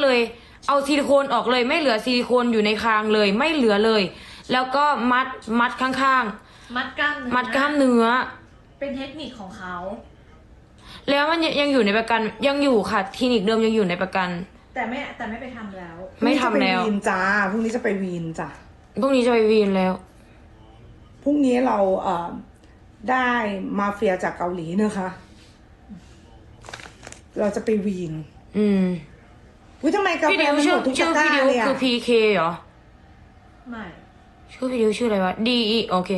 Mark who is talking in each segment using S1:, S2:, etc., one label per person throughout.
S1: เลย เอาซิลิโคนออกเลยไม่เหลือซิลิโคนอยู่ในคางเลยไม่เหลือเลย แล้วก็มัดข้าง
S2: มัดกล้ามเนื้อ
S1: มัดกล้ามเนื้อ
S2: เป็นเทคนิคของเขา
S1: แล้วมันยังอยู่ในประกันยังอยู่ค่ะคลินิกเดิมยังอยู่ในประกัน
S2: แต่ไม่ไปทำแล้ว
S1: ไม่ทำแล้ว
S3: พรุ่งนี้จะไปวีนจ้าพรุ่งนี้จะไปวีนจ้ะ
S1: พรุ่งนี้จะไปวีนแล้ว
S3: พรุ่งนี้เราได้มาเฟียจากเกาหลีนะคะ เราจะไปวีน
S1: อืม
S3: อุ้ยทำไมกา
S1: พี่
S3: แฟ
S1: ดิว
S3: มัน
S1: ชื่
S3: ห
S1: อ
S3: มดทุก
S1: ชื่อ
S3: ตะก
S1: พี่
S3: ร้า
S1: ดิว
S3: เลยอะ
S1: คือ PK เหรอ
S2: ไม่
S1: ชื่อพี่ดิวชื่ออะไรวะ DE โอเค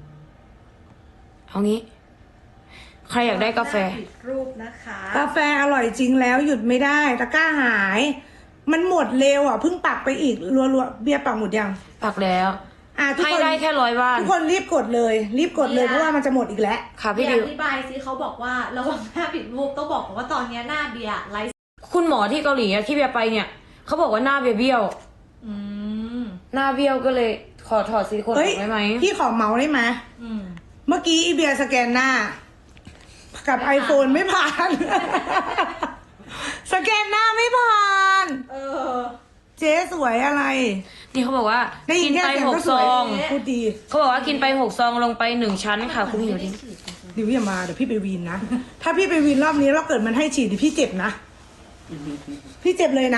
S1: เอางี้ ใครอยากได้กาแฟ
S2: ผิดรูปนะคะ
S3: กาแฟอร่อยจริงแล้วหยุดไม่ได้ตะกร้าหาย มันหมดเร็วอ่ะเพิ่งปักไปอีกรัวๆเบียร์ปักหมดยัง
S1: ปักแล้ว
S3: ทุก
S1: ให้
S3: คน
S1: ได้แค่100 บ้าน
S3: ทุกคนรีบกดเลยเพราะว่ามันจะหมดอีกแล้ว
S1: ค่ะพี่
S2: อ
S1: ดิว
S2: ธิบายซิเขาบอกว่าระวังหน้าผิดรูปต้องบอกก่อนว่าตอนนี้หน้าเบียร์ไลฟ์
S1: คุณหมอที่เกาหลีอะที่เบียร์ไปเนี่ยเขาบอกว่าหน้าเบียร์เบี้ยว
S2: อืม
S1: หน้าเบี้ยวก็เลยขอถอดซิลิโคนอ
S3: เฮ้ย
S1: อกได้ไหม
S3: พี่ขอเมาส์ได้ไหม
S2: อืม
S3: เมื่อกี้อีเบียร์สแกนหน้า กับ
S2: ไม่ผ่าน
S3: iPhone ไม่ผ่าน สแกนหน้าไม่ผ่าน
S2: เออ
S3: เจ๊สวยอะไร
S1: นี่เขาบอกว่า
S3: ได้ยิ
S1: กิ
S3: น
S1: น
S3: แค่
S1: ไป
S3: เสียง
S1: หก
S3: ก็ส
S1: ซ
S3: วย
S1: อง
S3: พูดดี
S1: เขาบอกว่ากินไป6 ซองลงไป1 ชั้นค่ะคุณหิวดิ
S3: ดิวอย่ามาเดี๋ยวพี่ไปวีนนะ ถ้าพี่ไปวีนรอบนี้แล้วเกิดมันให้ฉีดเดี๋ยวพี่เจ็บนะ พี่เจ็บเลยนะ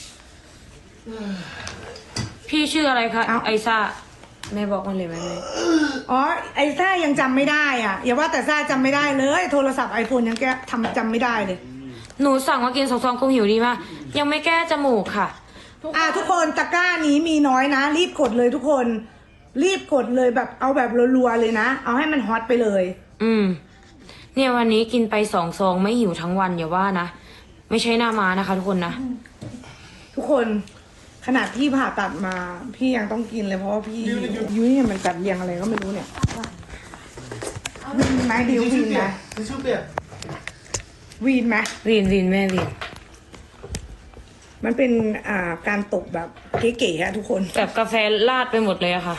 S1: พี่ชื่ออะไรคะ
S3: เอ้า
S1: ไอซ่าแม่บอกมันเลยไหมแม่
S3: อ๋อไอ้ซ่ายังจำไม่ได้อ่ะ อย่าว่าแต่ซ่าจำไม่ได้เลย โทรศัพท์ iPhone ยังแกจำไม่ได้เลย
S1: หนูสั่งมากิน2 ซองคงหิวดีมากยังไม่แก้จมูกค่ะ
S3: ทุกคนตะกร้านี้มีน้อยนะ รีบกดเลยทุกคน รีบกดเลยแบบเอาแบบรัวๆเลยนะ เอาให้มันฮอตไปเลย
S1: อืมเนี่ยวันนี้กินไป2 ซองไม่หิวทั้งวันอย่าว่านะไม่ใช่หน้ามานะคะ ทุกคนนะ
S3: ทุกคนขนาดพี่ผ่าตัดมา พี่ยังต้องกินเลยเพราะว่าพี่ยุ้ยเนี่ยมันจัดเรียงอะไรก็ไม่รู้เนี่ยวีนไหมดิววีนไหม
S4: ทิชชู่เปียก
S3: วีนไหม
S1: วีนแม่วีน
S3: มันเป็นการตกแบบเก๋ๆอะทุกคน
S1: แบบกาแฟลาดไปหมดเลยอะค่ะ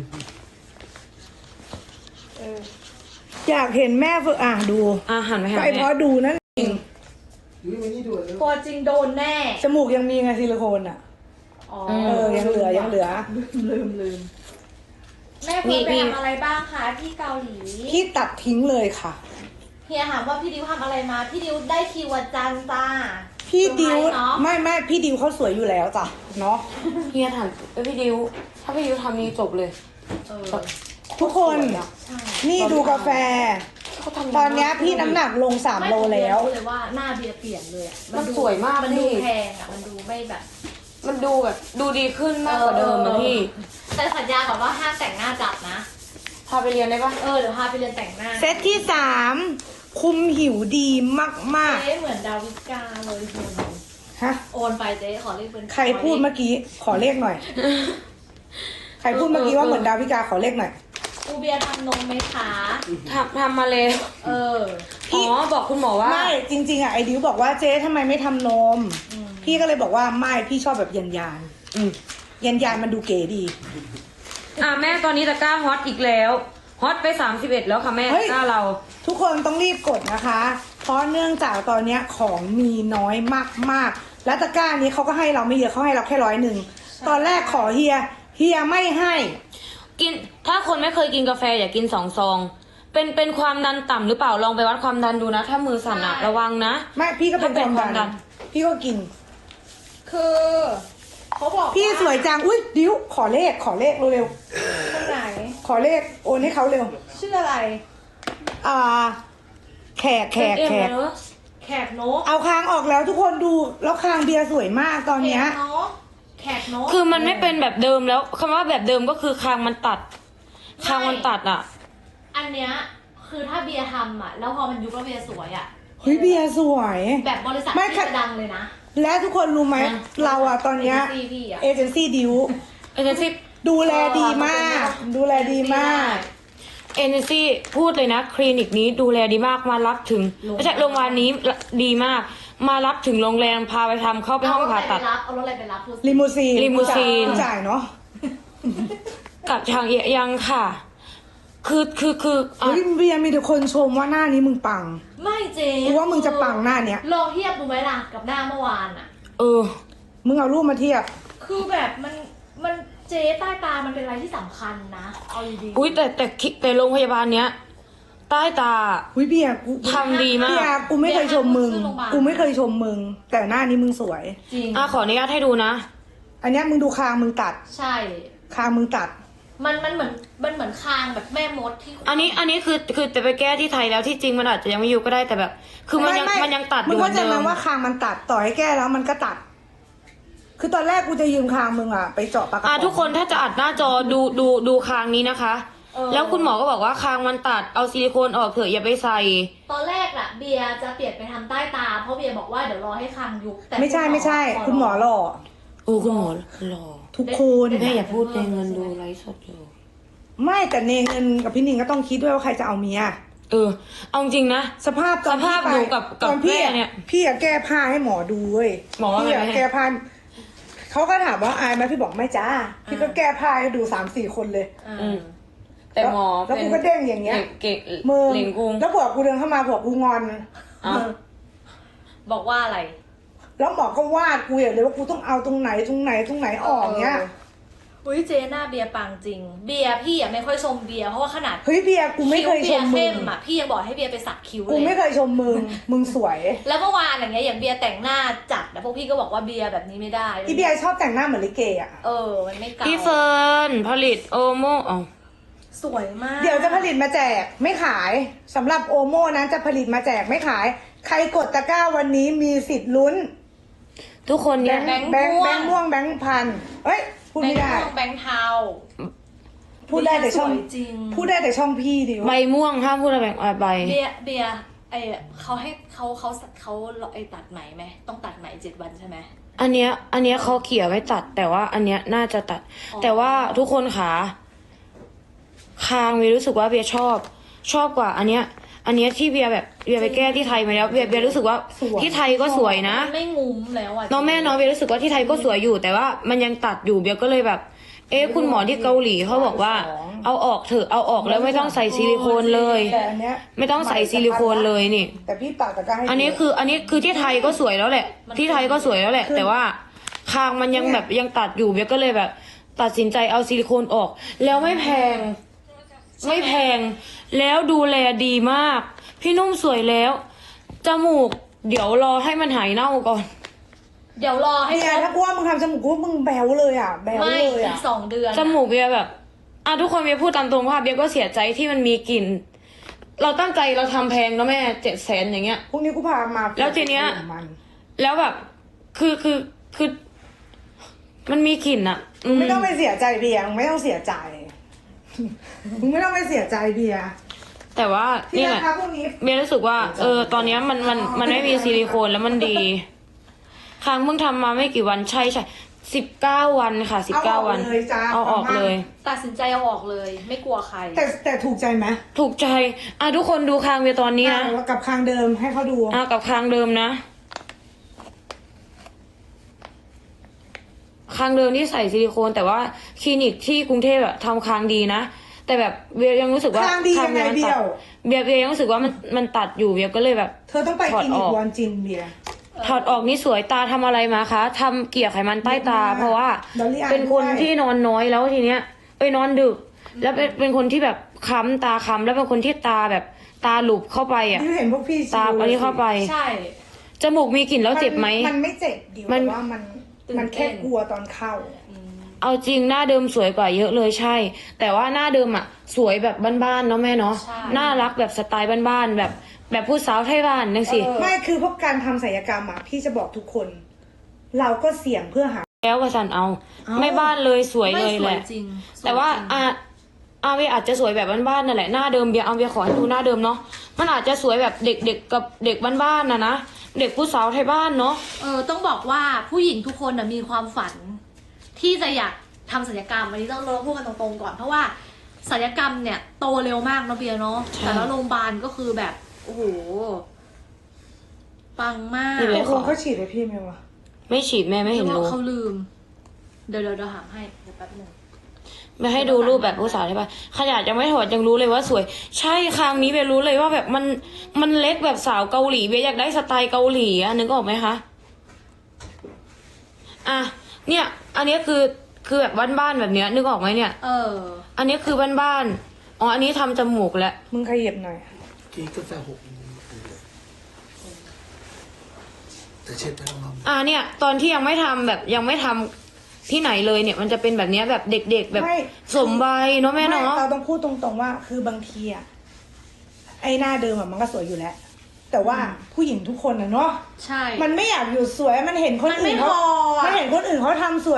S3: อยากเห็นแม่ฝึกดู
S1: หันไปหา
S3: ก็ไอเพ
S1: แม่
S3: ราะดูนั่นเอง
S4: ยุ้ยมานี่ดูเลย
S2: ตัวจริงโดนแน่
S3: จมูกยังมีไงซิลิโคนอ่ะ
S2: อ๋อ
S3: ยังเหลือ
S2: ลืมแม่เฟิร์นไปทำอะไรบ้างคะที่เกาหลี
S3: พี่ตัดทิ้งเลยค่ะ
S2: เฮียถามว่าพี่ดิวทำอะไรมา พี่ดิวได้คิววันจันทร์จ้า
S3: พี่ดิว
S2: เซอร์ไพรส์เนาะ
S3: ไม่พี่ดิวเขาสวยอยู่แล้วจ้ะเนาะ
S1: เฮียถามพี่ดิวถ้าพี่ดิวทำนี้จบเลย
S2: เออ
S3: ทุกคน
S2: ใช่
S3: นี่ดูกาแฟ
S1: เขาทำ
S3: ตอนเนี้ยพี่น้ำหนักลง3 โลแล้ว
S2: ไม่ผมเรียนรู้เลยว่าหน้าเบียร์เปลี่ยนเลยอะ
S1: มันสวยมาก
S2: มันดู
S1: พี่
S2: แพงอะมันดูไม่แบบ
S1: มันดูแบบดูดีขึ้นมากกว่าเดิมนะพี่
S2: แต่สัญญาก่อนว่าห้ามแต่งหน้าจัดนะ
S1: พาไปเรียนได้ปะ
S2: เดี๋ยวพาไปเรียนแต่งหน้า
S3: เซตที่3คุมหิวดีมาก
S2: เจ๊เหมือนดาวิกาเลยคุณ
S3: ๆฮะ
S2: โอนไปเจ๊ขอเลขเป็น
S3: ใครพูดเมื่อกี้ขอเลขหน่อย ใครพูดเมื่อกี้ว่าเหมือนดาวิกาขอเลขหน่อย
S2: อูเบียร์ทำนมไหมคะ
S1: ทำมาเลย
S2: เออ
S3: พี่
S1: อ๋อบอกคุณหมอว่า
S3: ไม่จริงๆไอดิวบอกว่าเจ๊ทำไมไม่ทำนม
S2: อืม
S3: พี่ก็เลยบอกว่าไม่พี่ชอบแบบยันยาน
S1: อืม
S3: มันดูเก๋ดี
S1: แม่ตอนนี้ตะกร้าฮอตอีกแล้วฮอตไป31แล้วค่ะแม่
S3: เฮ้
S1: ตะ
S3: ย
S1: กร้าเรา
S3: ทุกคนต้องรีบกดนะคะ เพราะเนื่องจากตอนเนี้ยของมีน้อยมากๆ และตะกร้านี้เขาก็ให้เราไม่เยอะเขาให้เราแค่100ตอนแรกขอเฮียไม่ให้
S1: กินถ้าคนไม่เคยกินกาแฟอย่ากิน2 ซองเป็นความดันต่ำหรือเปล่าลองไปวัดความดันดูนะ ถ้ามือสั่นอะระวังนะ
S3: ไม่พี่ก็เป็น
S1: ถ้าเป็น
S3: ความ
S1: ความดั
S3: ดัน
S1: น
S3: พี่ก็กิน
S2: คือเขาบอก
S3: พี่สวยจังอุ้ยดิวขอเลขเร็ว
S2: คนไหน
S3: ๆขอเลขโอนให้เขาเร็ว
S2: ชื่ออะไร
S3: แขก
S1: เอ็มเนอะ
S2: แขกนก
S3: เอาคางออกแล้วทุกคนดูแล้วคางเบียร์สวยมากตอนเนี้ย
S2: แขกนก
S1: คือมันไม่เป็นแบบเดิมแล้วคำว่าแบบเดิมก็คือคางมันตัดคางมันตัดอะ
S2: อันเนี้ยคือถ้าเบียร์ทำอ่ะแล้วพอมันยุบแล้วเบียร์สวยอ่ะ
S3: เฮ้ยเบียร์สวย
S2: แบบบริษัท
S3: ไม่
S2: ที่
S3: ค่ะ
S2: จะดังเลยนะ
S3: และทุกคนรู้ไหมเราอะตอนเนี้ย
S2: ซีพี่อ่ะ
S3: เอเจนซี่ดิว
S1: เอเจนซี่
S3: ดูแลดีมาก ดูแลดีมาก
S1: เอเจนซี่พูดเลยนะคลินิกนี้ดูแลดีมากมารับถึงไม่ใช่โรงพยาบาลนี้ดีมาก มารับถึงโรงแรมพาไปทำเข้าไปห้องผ่าตัด
S2: เอารถอะไรไปรับพูดสิ
S3: ลิมูซีน
S1: ลิมูซีน
S3: จ่ายเนาะ
S1: กับทางยังค่ะ คืออ่ะ
S3: เฮ้ยเบียร์มีแต่คนชมว่าหน้านี้มึงปัง
S2: ไม่เจ๊
S3: กูว่ามึงจะปังหน้าเนี้ย
S2: ลองเทียบดูไหมล่ะกับหน้าเมื่อวานอ่ะ
S1: เออ
S3: มึงเอารูปมาเทียบ
S2: คือแบบมันเจ๊ใต้ตามันเป็นอะไรที่สำคัญนะ เอาดีๆ
S1: อุ้ยแต่โรงพยาบาลเนี้ย ใต้ตา
S3: อุ้ยเบียร์กู
S1: ทำดีมาก
S3: เบียร์กูไม่เคยชมมึง กูไม่เคยชมมึง แต่หน้านี้มึงสวย
S2: จริง
S1: ขออนุญาตให้ดูนะ
S3: อันเนี้ยมึงดูคางมึงตัด
S2: ใช่
S3: คางมึงตัด
S2: มันเหมือนคางแบบแม่มดที่
S1: อันนี้คือจะไปแก้ที่ไทยแล้วที่จริงมันอาจจะยังไม่อยู่ก็ได้แต่แบบ คือมันยังตัดอ
S3: มึง
S1: ยู่เหมื
S3: เข้า
S1: อน
S3: ใจ
S1: เดิ
S3: ไหม
S1: ม
S3: ว่าคางมันตัดต่อให้แก้แล้วมันก็ตัด คือตอนแรกกูจะยืมคางมึงอะไปเจาะปากกระป๋อง
S1: ทุกคนถ้าจะอัดหน้าจอดูคางนี้นะคะ แล้วคุณหมอก็บอกว่าคางมันตัดเอาซิลิโคนออกเถอะอย่าไปใส่
S2: ตอนแรกน่ะเบียร์จะเปลี่ยนไปทำใต้ตา เพราะเบียร์บอกว่าเดี๋ยวรอให้คางยุบแต่
S3: ไม่ใช่คุณหมอหล่อ
S1: โอ้คุณหมอหล่อ
S3: ทุกคน
S1: แม่อย่าพูดในเงินดูไลฟ์สดอยู่
S3: ไม่แต่เนเงินกับพี่นิงก็ต้องคิดด้วยว่าใครจะเอาเมีย
S1: เอาจริงนะ
S3: สภาพตอน
S1: สภาพ
S3: พี่
S1: หนู
S3: ไป
S1: กับ
S3: ตอนพี่
S1: แม่
S3: อะ
S1: เนี่ย
S3: พี่อะแก้ผ้าให้หมอดูเว้ย
S1: หมอว่าไง
S3: พี่อะแก้ผ้าเขาก็ถามว่าอายไหมพี่บอกไม่จ้าพี่ก็แก้ผ้าให้ดู3-4 คนเลย
S1: อืมแต่หมอ
S3: แล้วกูก็เด้งอย่างเงี้ย
S1: เก่ง
S3: มือ
S1: เหลิงกุง
S3: แล้วผัวกูเดินเข้ามาผัวกูงอน
S1: อ้าว
S2: บอกว่าอะไร
S3: แล้วหมอก็วาดกูอย่างเลยว่ากูต้องเอาตรงไหนออกเงี้ย
S2: อุ้ยเจ๊หน้าเบียร์ปังจริง เบียร์พี่อ่ะไม่ค่อยชมเบียร์เพราะว่าขนาด
S3: เฮ้ยเบียร์กูไม่เคยช
S2: คิ้ว
S3: ม
S2: เบี
S3: มึ
S2: ยร์
S3: ง
S2: เข้มอ่ะพี่ยังบอกให้เบียร์ไปสักคิ้ว
S3: กู
S2: เล
S3: ไม่
S2: ย
S3: เคยชมมึงสวย
S2: แล้วเมื่อวานอย่างเงี้ยอย่างเบียร์แต่งหน้าจัดนะพวกพี่ก็บอกว่าเบียร์แบบนี้ไม่ได้
S3: อีเบียร์ชอบแต่งหน้าเหมือนลิเกอ่ะ
S2: มันไม่เก่า
S1: พี่เฟิร์นผลิตโอโมอ๋อ
S2: สวยมาก
S3: เดี๋ยวจะผลิตมาแจกไม่ขายสำหรับโอโม่นั้นจะผลิตมาแจกไม่ขาย ใครกดตะกร้าวันนี้มีสิทธิ์ลุ้น
S1: ทุกคนเนี่ย
S3: แบงค์ม่วงแบงค์พันเอ้ยพูด
S2: แบง
S3: ไม่
S2: ค์
S3: ได้
S2: ม่วงแบงค์เทา
S3: พูดได้แต่ช่อง
S2: สวยจริง
S3: พูดได้แต่ช่องพี่ดิ
S1: ใบม่วงห้ามพูดอะไรแบบใบ
S2: เบียร์เขาให้เขาไอตัดไหมไหมต้องตัดไหม7 วันใช่ไหม
S1: อันเนี้ยเขาเขี่ยไว้ตัด แต่ว่าอันเนี้ยน่าจะตัด
S2: อ๋อ
S1: แต่ว่าทุกคนขาคางเบียร์รู้สึกว่าเบียร์ชอบกว่า อันเนี้ยที่เบียร์แบบเบียร์ไปแก้ที่ไทยมาแล้วเบียร์รู้สึกว่าที่ไทยก็สวยนะ
S2: มันไม่งุ้มแล้วอ่ะ
S1: น้องแม่น้องเบียร์รู้สึกว่าที่ไทยก็สวยอยู่ แต่ว่ามันยังตัดอยู่เบียร์ก็เลยแบบ คุณหมอที่เกาหลีเขาบอกว่า เอาออกเถอะเอาออกแล้วไม่ต้องใส่ซิลิโคนเลย
S3: แต่อันเนี้ย
S1: ไม่ต้องใส่ซิลิโคนเลยนี่
S3: แต่พี่ตัดตะกร้าให้
S1: อันนี้คือที่ไทยก็สวยแล้วแหละ ที่ไทยก็สวยแล้วแหละ แต่ว่าคางมันยังแบบยังตัดอยู่เบียก็เลยแบบ ตัดสินใจเอาซิลิโคนออก แล้วไม่แพง แล้วดูแลดีมาก พี่นุ่มสวยแล้วจมูก เดี๋ยวรอให้มันหายเน่าก่อน
S2: เดี๋ยวรอให้
S3: เนี่ยถ้ากูว่ามึงทำจมูกกูว่ามึงแบวเลยอ่ะแบว
S2: ไม่
S3: เลย
S2: อี
S3: อ่ะ
S2: ก2 เดือน
S1: จมูกเบียแบบทุกคนเบียพูดตามตรงว่าเบียก็เสียใจที่มันมีกลิ่น เราตั้งใจเราทำแพงนะแม่700,000อย่างเงี้ย
S3: พรุ่งนี้กูพามา
S1: แล้วทีเนี้ย
S3: มัน
S1: แล้วแบบคือมันมีกลิ่นอะ
S3: ไม่ต้องไปเสียใจเบียร์มึงไม่ต้องเสียใจ มึงไม่ต้องไปเสียใจเบียร์
S1: แต่ว่า
S3: ที่
S1: นี่แห
S3: รา
S1: ละ
S3: คาพวกนี้
S1: เบียรู้สึกว่า ตอนเนี้ยมันไม่มีซิลิโคนแล้วมันดีครั้งเพิ่งทำมาไม่กี่วันใช่19 วันค่ะ19 วัน
S3: เลยจ้า
S1: เอาออกเลย
S2: ตัดสินใจเอาออกเลย ไม่กลัวใคร
S3: แต่ถูกใจไหม
S1: ถูกใจทุกคนดูคางเบียตอนนี้นะ
S3: กับคางเดิมให้เขาดู
S1: กับคางเดิมนะคางเดิมที่ใส่ซิลิโคน แต่ว่าคลินิกที่กรุงเทพอะทำคางดีนะแต่แบบเบียยังรู้สึกว่า
S3: คางดียังไง
S1: มัน
S3: เบี้
S1: ตั
S3: ย
S1: ด
S3: ว
S1: เบียยังรู้สึกว่ามันตัดอยู่เบียก็เลยแบบ
S3: เธอต้องไป
S1: ถอด
S3: กินอี
S1: ออก ก
S3: วันจินเบียร์
S1: ถอดออกนี่สวยตาทำอะไรมาคะทำเกลี่ยไขมันใต้ตา เพราะว่า
S3: ดอลลี่อาย
S1: เป็นคน
S3: ด้วย
S1: ที่นอนน้อยแล้วทีเนี้ยนอนดึก แล้วเป็นคนที่แบบค้ำตาค้ำแล้วเป็นคนที่ตาแบบตาหลุบเข้าไปอ่ะ
S3: ที่เห็นพวกพี่
S1: ตาอันนี้เข้าไป
S2: ใช่
S1: จมูกมีกลิ่นแล้วเจ็บไหม
S3: มันไม่เจ็บดิว
S1: มัน
S3: แต่ว่ามันแค่กลัวตอนเข้า
S1: เอาจริงหน้าเดิมสวยกว่าเยอะเลยใช่ แต่ว่าหน้าเดิมอ่ะ สวยแบบบ้านๆเนาะแม่เนาะ
S2: ใช่
S1: น่ารักแบบสไตล์บ้านๆแบบผู้สาวไทยบ้านนั่นสิ
S3: ไม่คือพวกการทำศัลยกรรมอ่ะพี่จะบอกทุกคน เราก็เสี่ยงเพื่อหา
S1: แล้วว่าสันเอาไม่บ้านเลยสวย
S2: ไม่
S1: เลย
S2: ส
S1: แห
S2: วย
S1: ละ
S2: จริงสย
S1: แต่ว่า
S2: จริง
S1: เบียอาจจะสวยแบบบ้านๆนั่นแหละหน้าเดิมเบียขอให้ดูหน้าเดิมเนาะมันอาจจะสวยแบบเด็กๆกับเด็กบ้านๆนะเด็กผู้สาวไทยบ้านเนาะ
S2: ต้องบอกว่าผู้หญิงทุกคนมีความฝัน ที่จะอยากทำศัลยกรรมอันนี้ต้องเราพูดกันตรงๆก่อนเพราะว่าศัลยกรรมเนี่ยโตเร็วมากเนาะเบียร์เนาะแต่ละโรงพยาบาลก็คือแบบโอ้โหปังมาก
S1: นี่เลย
S3: ตกลงเขาฉีดให้พี่ไหมวะ
S1: ไม่ฉีดแม่ไม่เห็น
S2: หรือ
S1: รู้
S2: ว่าเขาลืมเดี๋ยวหาให้เดี๋ยวแป๊บนึง
S1: ไม่ให้ดูรูปแบบผู้สาวไทยบ้านขนาดยังไม่ถอดยังรู้เลยว่าสวย ใช่ครั้งนี้เบียรู้เลยว่าแบบมันเล็กแบบสาวเกาหลีเบียอยากได้สไตล์เกาหลีอะนึกออกไหมคะอ่ะเนี่ย อันนี้คือแบบบ้านๆแบบเนี้ยนึกออกไหมเนี่ย อันนี้คือบ้านๆอ๋ออันนี้ทำจมูกแล้ว
S3: มึงขยับหน่อย
S4: กินกาแฟหกแต่เช็ดไปแล้วมั้ง
S1: เนี่ย ตอนที่ยังไม่ทำแบบยังไม่ทำที่ไหนเลยเนี่ย มันจะเป็นแบบเนี้ยแบบเด็กๆแบบ
S3: ไม่
S1: สมใบเนาะแม่
S3: ไม่
S1: เนาะ
S3: เราต้องพูดตรงๆว่า คือบางทีอะไอ้หน้าเดิมอะมันก็สวยอยู่แล้ว แต่ว่าผู้หญิงทุกคนอะเนาะ
S2: ใช่
S3: มันไม่อยากอยู่สวยมันเห็นคนอื่นเขา
S2: มันไม่พออะ
S3: มันเห็นคนอื่นเขาทำสวย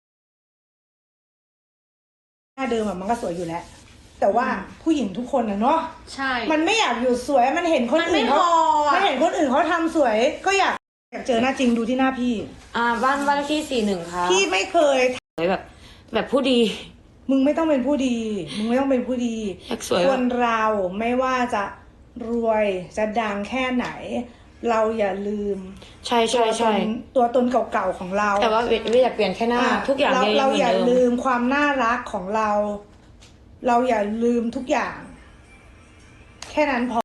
S3: หน้าเดิมอะมันก็สวยอยู่แล้ว แต่ว่าผู้หญิงทุกคนอะเนาะ
S2: ใช่
S3: มันไม่อยากอยู่สวยมันเห็นคนอื่นเขา
S2: มันไม่พออะ
S3: มันเห็นคนอื่นเขาทำสวย ก็อยากเจอหน้าจริงดูที่หน้าพี่
S1: บ้านเลขที่41ค่ะ
S3: พี่ไม่เคย
S1: สวยแบบผู้ดี
S3: มึงไม่ต้องเป็นผู้ดี มึงไม่ต้องเป็นผู้ดี
S1: อยากสวย
S3: คนเราไม่ว่าจะรวยจะดังแค่ไหน เราอย่าลืม
S1: ใช่ใช่ใช่
S3: ตัวตนเก่าๆของเรา
S1: แต่ว่าเวยอยากเปลี่ยนแค่หน้า ทุกอย่าง
S3: เรา
S1: ยัง
S3: เรา
S1: เหมือ
S3: อย่าน
S1: เดิ
S3: ลื
S1: ม
S3: มความน่ารักของเรา เราอย่าลืมทุกอย่าง แค่นั้นพอ